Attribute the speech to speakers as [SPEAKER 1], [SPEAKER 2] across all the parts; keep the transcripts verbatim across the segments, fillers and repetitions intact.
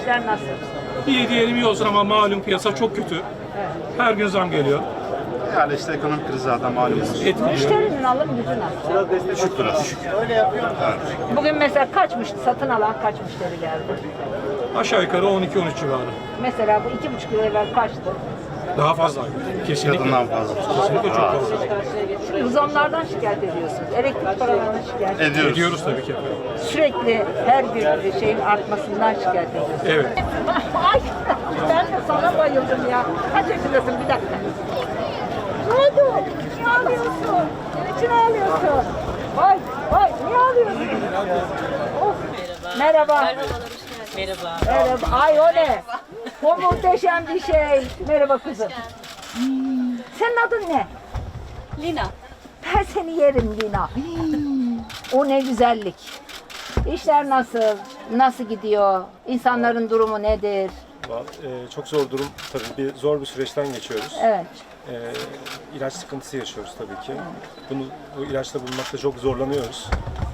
[SPEAKER 1] İşler nasıl?
[SPEAKER 2] İyi diyelim iyi olsun ama malum piyasa çok kötü.
[SPEAKER 1] Evet.
[SPEAKER 2] Her gün zam geliyor.
[SPEAKER 3] Yani işte ekonomik kriz zaten malumunuz.
[SPEAKER 2] Etkiliyor.
[SPEAKER 1] Müşterinin alım gücü nasıl?
[SPEAKER 3] Düşük biraz. Düşük.
[SPEAKER 1] Bugün mesela kaç müşteri, satın alan kaç müşteri geldi?
[SPEAKER 2] Aşağı yukarı on iki on üç civarı.
[SPEAKER 1] Mesela bu iki buçuk yıl evvel kaçtı?
[SPEAKER 2] Daha fazla. Kesinlikle.
[SPEAKER 3] Kadından fazla.
[SPEAKER 2] Kesinlikle çok fazla.
[SPEAKER 1] Şimdi zamlardan şikayet ediyorsunuz. Elektrik paralarından şikayet ediyorsunuz.
[SPEAKER 3] Ediyoruz.
[SPEAKER 2] Ediyoruz tabii ki.
[SPEAKER 1] Sürekli her gün şeyin artmasından şikayet ediyorsunuz.
[SPEAKER 2] Evet.
[SPEAKER 1] Ay ben de sana bayıldım ya. Kaç yaşındasın bir dakika. Ne oldu? Niye ağlıyorsun? Niçin ağlıyorsun? Vay vay niye ağlıyorsun? Of. Merhaba.
[SPEAKER 4] Merhaba.
[SPEAKER 1] Merhaba. Ay o ne? O muhteşem bir şey. Merhaba kızım. Hmm. Senin adın ne?
[SPEAKER 4] Lina.
[SPEAKER 1] Ben seni yerim Lina. Hmm. O ne güzellik. İşler nasıl? Nasıl gidiyor? İnsanların durumu nedir?
[SPEAKER 5] Ee, çok zor durum tabii bir zor bir süreçten geçiyoruz.
[SPEAKER 1] Evet.
[SPEAKER 5] Ee, ilaç sıkıntısı yaşıyoruz tabii ki. Bunu bu ilaçla bulmakta çok zorlanıyoruz.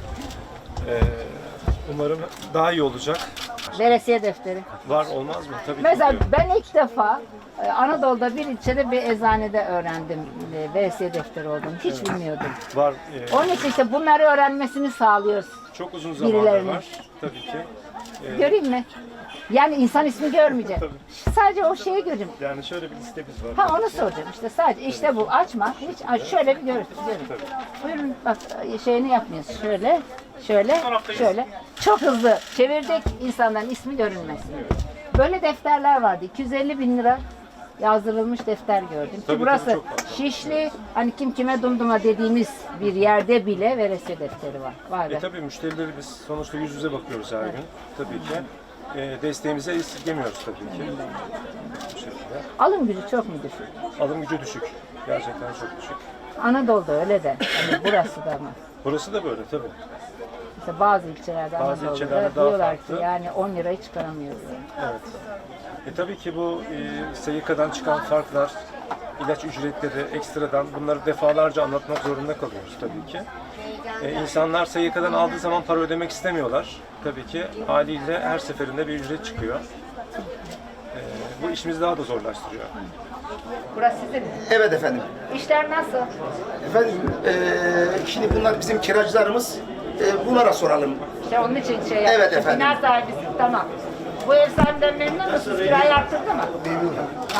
[SPEAKER 5] Ee, umarım daha iyi olacak.
[SPEAKER 1] Veresiye defteri.
[SPEAKER 5] Var olmaz mı? Tabii
[SPEAKER 1] Mesela
[SPEAKER 5] ki.
[SPEAKER 1] ben ilk defa e, Anadolu'da bir ilçede bir eczanede öğrendim e, veresiye defteri olduğunu. Hiç bilmiyordum.
[SPEAKER 5] Var. e,
[SPEAKER 1] Onun için işte bunları öğrenmesini sağlıyoruz.
[SPEAKER 5] çok uzun zamandır
[SPEAKER 1] birilerinin.
[SPEAKER 5] var tabii ki. Ee,
[SPEAKER 1] Göreyim mi? Yani insan ismi görmeyecek. Sadece o şeyi göreyim.
[SPEAKER 5] yani şöyle bir listemiz var.
[SPEAKER 1] Ha onu soracağım işte sadece işte bu açma hiç aç şöyle bir gör, görün. Buyurun bak şeyini yapmıyoruz şöyle şöyle şöyle çok hızlı çevirdik insanların ismi görünmesin. Böyle defterler vardı iki yüz elli bin lira yazdırılmış defter gördüm. Ki
[SPEAKER 5] Tabii,
[SPEAKER 1] burası
[SPEAKER 5] tabii, çok fazla.
[SPEAKER 1] Şişli hani kim kime dumduma dediğimiz bir yerde bile veresiye defteri var. Vay be.
[SPEAKER 5] E tabii müşterileri biz sonuçta yüz yüze bakıyoruz her gün. Tabii ki. E, desteğimize esirgemiyoruz tabii ki. Bu şekilde.
[SPEAKER 1] Alım gücü çok mu düşük?
[SPEAKER 5] Alım gücü düşük. Gerçekten çok düşük.
[SPEAKER 1] Anadolu'da öyle de. Hani burası da mı?
[SPEAKER 5] Burası da böyle tabii.
[SPEAKER 1] İşte bazı ilçelerde
[SPEAKER 5] Bazı
[SPEAKER 1] Anadolu'da
[SPEAKER 5] ilçelerde daha
[SPEAKER 1] diyorlar ki
[SPEAKER 5] farklı.
[SPEAKER 1] yani on lirayı çıkaramıyoruz.
[SPEAKER 5] Evet. E tabii ki bu e, S Y K'dan çıkan farklar, ilaç ücretleri ekstradan bunları defalarca anlatmak zorunda kalıyoruz tabii ki. E, insanlar S Y K'dan aldığı zaman para ödemek istemiyorlar. Tabii ki haliyle her seferinde bir ücret çıkıyor. E, bu işimizi daha da zorlaştırıyor.
[SPEAKER 1] Burası sizin mi?
[SPEAKER 6] Evet efendim.
[SPEAKER 1] İşler nasıl?
[SPEAKER 6] Efendim eee, şimdi bunlar bizim kiracılarımız. Eee, bunlara soralım.
[SPEAKER 1] İşte onun için şey
[SPEAKER 6] Evet
[SPEAKER 1] yapmışım.
[SPEAKER 6] efendim.
[SPEAKER 1] Bina sahibisin tamam. Bu ev sahibinden memnun musunuz? Kirayı arttırdı mı?
[SPEAKER 6] Memnunum.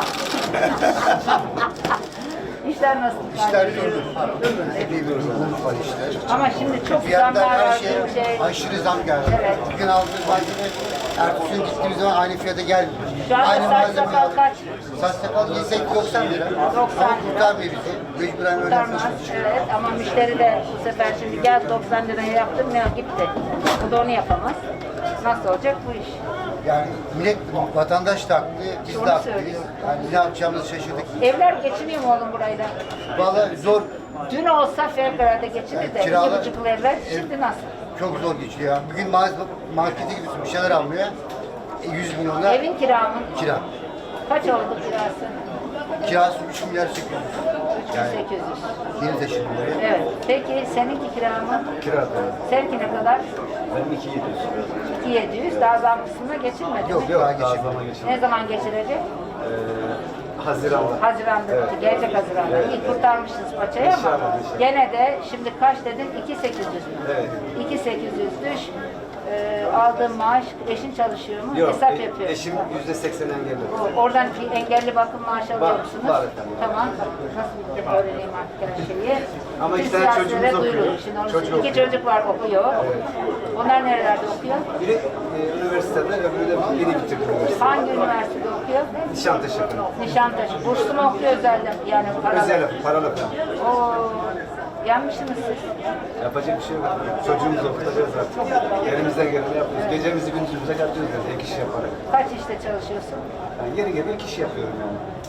[SPEAKER 1] İşler nasıl?
[SPEAKER 7] İşler durdu. Memnunuz. Umut var işte.
[SPEAKER 1] Ama şimdi çok
[SPEAKER 7] Fiyatlar
[SPEAKER 1] zamlar
[SPEAKER 7] her
[SPEAKER 1] var.
[SPEAKER 7] şey
[SPEAKER 1] Şey, şey.
[SPEAKER 7] aşırı zam geldi.
[SPEAKER 1] Evet.
[SPEAKER 7] Bugün aldığımız malzeme ertesi gün gittiğimiz zaman aynı fiyata gelmiyor.
[SPEAKER 1] Şu anda
[SPEAKER 7] Aynı
[SPEAKER 1] saç sakal kaç?
[SPEAKER 7] Saç sakal yesek doksan lira.
[SPEAKER 1] doksan
[SPEAKER 7] Ama
[SPEAKER 1] lira.
[SPEAKER 7] kurtarmıyor bizi. Mecburen öyle
[SPEAKER 1] Kurtarmaz.
[SPEAKER 7] yapıyoruz.
[SPEAKER 1] Evet ama müşteri de bu sefer şimdi gel doksan liraya yaptırmıyor gitti. Bu da onu yapamaz. Nasıl olacak bu iş?
[SPEAKER 7] Yani millet, vatandaş da haklı, biz
[SPEAKER 1] Onu
[SPEAKER 7] de haklıyız.
[SPEAKER 1] söylüyor.
[SPEAKER 7] Yani ne yapacağımızı şaşırdık.
[SPEAKER 1] Evler geçiniyor mu oğlum burayla?
[SPEAKER 7] Vallahi zor,
[SPEAKER 1] Dün olsa fevkalade geçinir de iki
[SPEAKER 7] kiralar-
[SPEAKER 1] buçuk evler şimdi nasıl?
[SPEAKER 7] çok zor geçiyor ya. Bugün mağaza, markete gidiyorsun bir şeyler almaya. E, yüz milyonla
[SPEAKER 1] Evin kira mı?
[SPEAKER 7] kira.
[SPEAKER 1] Kaç oldu kirası?
[SPEAKER 7] Kirası üç milyar sekiz yüz. Yani
[SPEAKER 1] sekiz yüz.
[SPEAKER 7] yeni taşındım buraya.
[SPEAKER 1] Evet. Peki seninki kira mı?
[SPEAKER 7] Kira da.
[SPEAKER 1] Seninki ne kadar?
[SPEAKER 7] Benim iki yedi yüz.
[SPEAKER 1] iki bin yedi yüz. Daha zam kısmına geçilmedi
[SPEAKER 7] Yok
[SPEAKER 1] mi?
[SPEAKER 7] yok, geçelim.
[SPEAKER 1] Ne zaman geçilecek?
[SPEAKER 7] Haziran'da.
[SPEAKER 1] Haziran'da. Gelecek Haziran'da. İyi kurtarmışsınız paçayı ama gene de şimdi kaç dedin? iki bin sekiz yüz mü?
[SPEAKER 7] Evet.
[SPEAKER 1] iki bin sekiz yüz düş. Ee, aldığın maaş, eşin çalışıyor mu? Hesap yapıyor.
[SPEAKER 7] Eşim yüzde seksen engelli.
[SPEAKER 1] O- Oradan bir engelli bakım maaşı alıyor
[SPEAKER 7] Var,
[SPEAKER 1] musunuz?
[SPEAKER 7] var efendim.
[SPEAKER 1] Tamam. Nasıl öğreneyim artık her şeyi?
[SPEAKER 7] Ama
[SPEAKER 1] Bütün
[SPEAKER 7] iki tane
[SPEAKER 1] siyasilere
[SPEAKER 7] çocuğumuz okuyor.
[SPEAKER 1] duyurun. Şimdi onu
[SPEAKER 7] Çocuk
[SPEAKER 1] iki
[SPEAKER 7] okuyor.
[SPEAKER 1] çocuk var okuyor. Onlar nerelerde okuyor?
[SPEAKER 7] Biri e, üniversitede, öbürü de yeni bitirdi üniversite.
[SPEAKER 1] Hangi üniversitede okuyor?
[SPEAKER 7] Nişantaşı.
[SPEAKER 1] Nişantaşı. Burslu mu okuyor özelden? Yani paralı.
[SPEAKER 7] Özel, paralı.
[SPEAKER 1] Oo, yanmışsınız siz.
[SPEAKER 7] Yapacak bir şey yok. Çocuğumuzu okutacağız artık. Elimizden geleni yapıyoruz. Gecemizi gündüzümüze katıyoruz yani ek iş yaparak.
[SPEAKER 1] Kaç işte çalışıyorsun?
[SPEAKER 7] Yani yeri geliyor iki iş yapıyorum yani.